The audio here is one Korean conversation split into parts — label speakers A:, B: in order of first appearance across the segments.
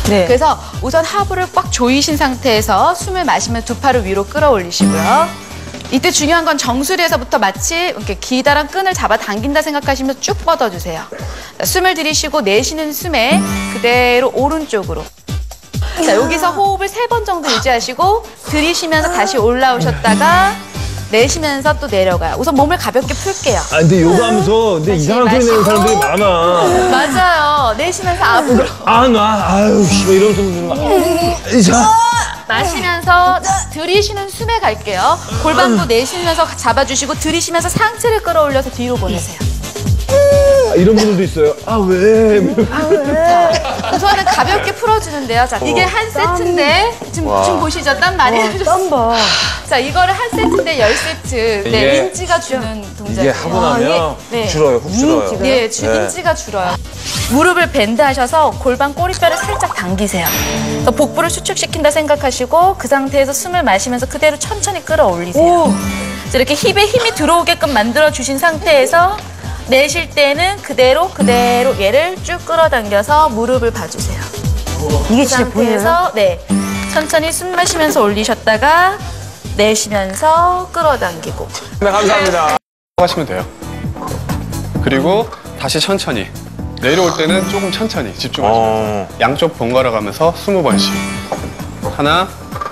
A: 네.
B: 그래서 우선 하부를 꽉 조이신 상태에서 숨을 마시면 두 팔을 위로 끌어올리시고요. 이때 중요한 건 정수리에서부터 마치 이렇게 기다란 끈을 잡아 당긴다 생각하시면서 쭉 뻗어주세요. 자, 숨을 들이쉬고 내쉬는 숨에 그대로 오른쪽으로. 자, 여기서 호흡을 3번 정도 유지하시고 들이쉬면서 다시 올라오셨다가 내쉬면서 또 내려가요. 우선 몸을 가볍게 풀게요.
C: 아, 근데 요거 하면서 근데 이상한 소리 내는 사람들이 많아.
B: 맞아요. 내쉬면서 앞으로.
C: 아유, 씨발 이러면서 자.
B: 마시면서 들이쉬는 숨에 갈게요. 골반도 내쉬면서 잡아주시고 들이쉬면서 상체를 끌어올려서 뒤로 보내세요.
C: 아, 이런 분들도 있어요. 아, 왜?
B: 우선은 가볍게 풀어주는데요. 자, 이게 한 세트인데 지금 보시죠? 땀 많이 나셨어요.
A: 땀 봐.
B: 자, 이거를 한 세트인데 10세트. 네, 인지가 주는 동작이에요.
C: 이게 하고 나면
B: 네.
C: 줄어요, 훅 줄어요.
B: 네, 인지가 줄어요. 무릎을 밴드 하셔서 골반 꼬리뼈를 살짝 당기세요. 그래서 복부를 수축시킨다 생각하시고 그 상태에서 숨을 마시면서 그대로 천천히 끌어올리세요. 자, 이렇게 힙에 힘이 들어오게끔 만들어주신 상태에서 내쉴 때는 그대로 얘를 쭉 끌어당겨서 무릎을 봐주세요.
A: 이게
B: 그
A: 진짜 보여요?
B: 상태에서 네, 천천히 숨 마시면서 올리셨다가 내쉬면서 끌어당기고.
D: 네, 감사합니다. 하시면 돼요. 그리고 다시 천천히. 내려올 때는 조금 천천히 집중하시면서 양쪽 번갈아 가면서 20번씩. 하나,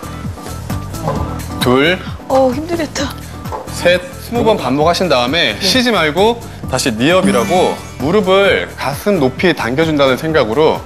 D: 둘,
B: 힘들겠다.
D: 셋, 20번 반복하신 다음에 쉬지 말고 다시 니업이라고 무릎을 가슴 높이 당겨준다는 생각으로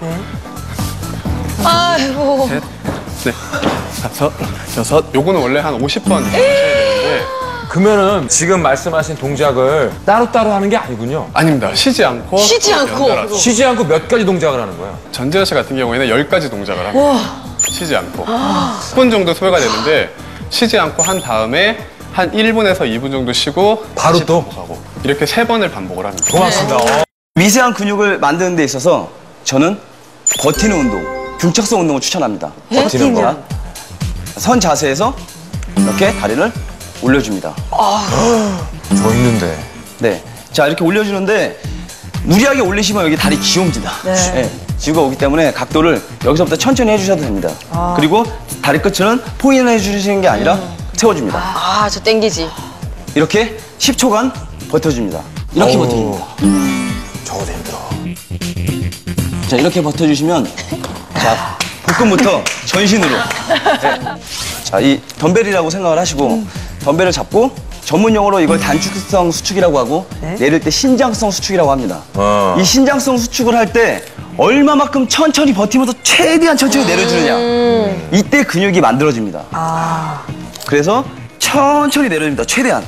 B: 아이고.
D: 셋, 넷, 다섯, 여섯. 요거는 원래 한 50번 하셔야 되는데
C: 그러면은 지금 말씀하신 동작을 따로따로 하는 게 아니군요.
D: 아닙니다. 쉬지 않고 연달아서.
C: 쉬지 않고 몇 가지 동작을 하는 거예요.
D: 전재현 씨 같은 경우에는 10가지 동작을 합니다. 쉬지 않고. 10분 정도 소요가 되는데 쉬지 않고 한 다음에 한 1분에서 2분 정도 쉬고
C: 바로
D: 다시
C: 또?
D: 반복하고 이렇게 3번을 반복을 합니다.
C: 고맙습니다.
E: 미세한 근육을 만드는 데 있어서 저는 버티는 운동, 중첩성 운동을 추천합니다.
C: 버티는 거.
E: 선 자세에서 이렇게 다리를 올려줍니다.
C: 저 있는데.
E: 네, 자 이렇게 올려주는데 무리하게 올리시면 여기 다리 쥐옵니다.
A: 네.
E: 쥐가 오기 때문에 각도를 여기서부터 천천히 해주셔도 됩니다. 그리고 다리 끝은 포인을 해주시는 게 아니라 세워줍니다.
A: 아, 저 땡기지.
E: 이렇게 10초간 버텨줍니다. 이렇게 버텨줍니다.
C: 저거 힘들어.
E: 자, 이렇게 버텨주시면 자, 복근부터 전신으로. 네. 자, 이 덤벨이라고 생각을 하시고 덤벨을 잡고 전문 용어로 이걸 단축성 수축이라고 하고 내릴 때 신장성 수축이라고 합니다. 이 신장성 수축을 할 때 얼마만큼 천천히 버티면서 최대한 천천히 내려주느냐. 이때 근육이 만들어집니다. 그래서 천천히 내려줍니다. 최대한.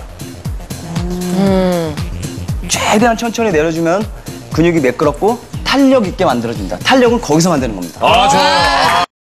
E: 최대한 천천히 내려주면 근육이 매끄럽고 탄력 있게 만들어집니다. 탄력은 거기서 만드는 겁니다.
C: 아, 좋아요.